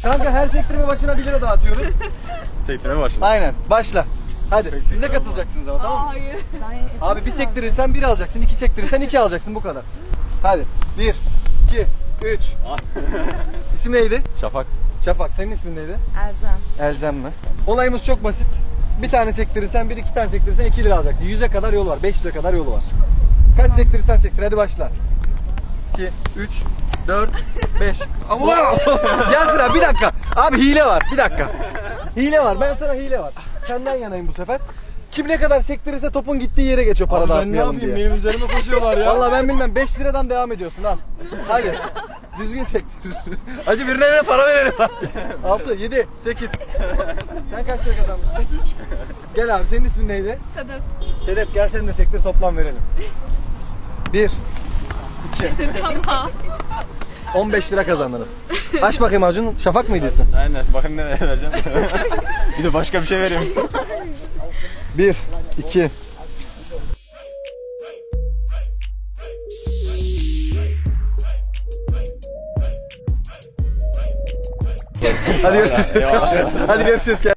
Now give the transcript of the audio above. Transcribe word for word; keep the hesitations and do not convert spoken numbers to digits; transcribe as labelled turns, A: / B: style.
A: Kanka her sektirme başına bir lira dağıtıyoruz.
B: Sektirme başladı.
A: Aynen. Başla. Hadi.
B: Peki,
A: Siz de
B: tamam.
A: katılacaksınız ama tamam mı?
C: Hayır.
A: Abi bir sektirirsen bir alacaksın, iki sektirirsen iki alacaksın bu kadar. Hadi. Bir, iki, üç. İsim neydi?
B: Şafak.
A: Şafak. Senin ismin neydi?
C: Elzem.
A: Elzem mi? Olayımız çok basit. Bir tane sektirirsen bir, iki tane sektirirsen iki lira alacaksın. Yüze kadar yolu var, beş lira kadar yolu var. Kaç sektirirsen sektir. Hadi başla. iki, üç, dört, beş. Allah! Ya sıra bir dakika. Abi hile var. Bir dakika. Hile var. Ben sana hile var. Senden yanayım bu sefer. Kim ne kadar sektirirse topun gittiği yere geçiyor para
B: Abi ben ne
A: dağıtmayalım
B: yapayım?
A: diye.
B: Benim üzerime koşuyorlar ya.
A: Vallahi ben bilmem. beş liradan devam ediyorsun al. Hadi. Düzgün sektir. Acı birilerine para verelim. altı, yedi, sekiz. Sen kaç lira kazanmıştın? Gel abi senin ismin neydi?
C: Sedef.
A: Sedef gel senin de sektir toplam verelim. bir, iki.
C: Tamam.
A: on beş lira kazandınız. Aç bakayım Acun. Şafak mıydı isim?
B: Aynen. Bakın ne vereceğim. Bir de başka bir şey veriyor musun?
A: bir, iki. Hadi görüşürüz.
B: Eyvallah.
A: Hadi görüşürüz.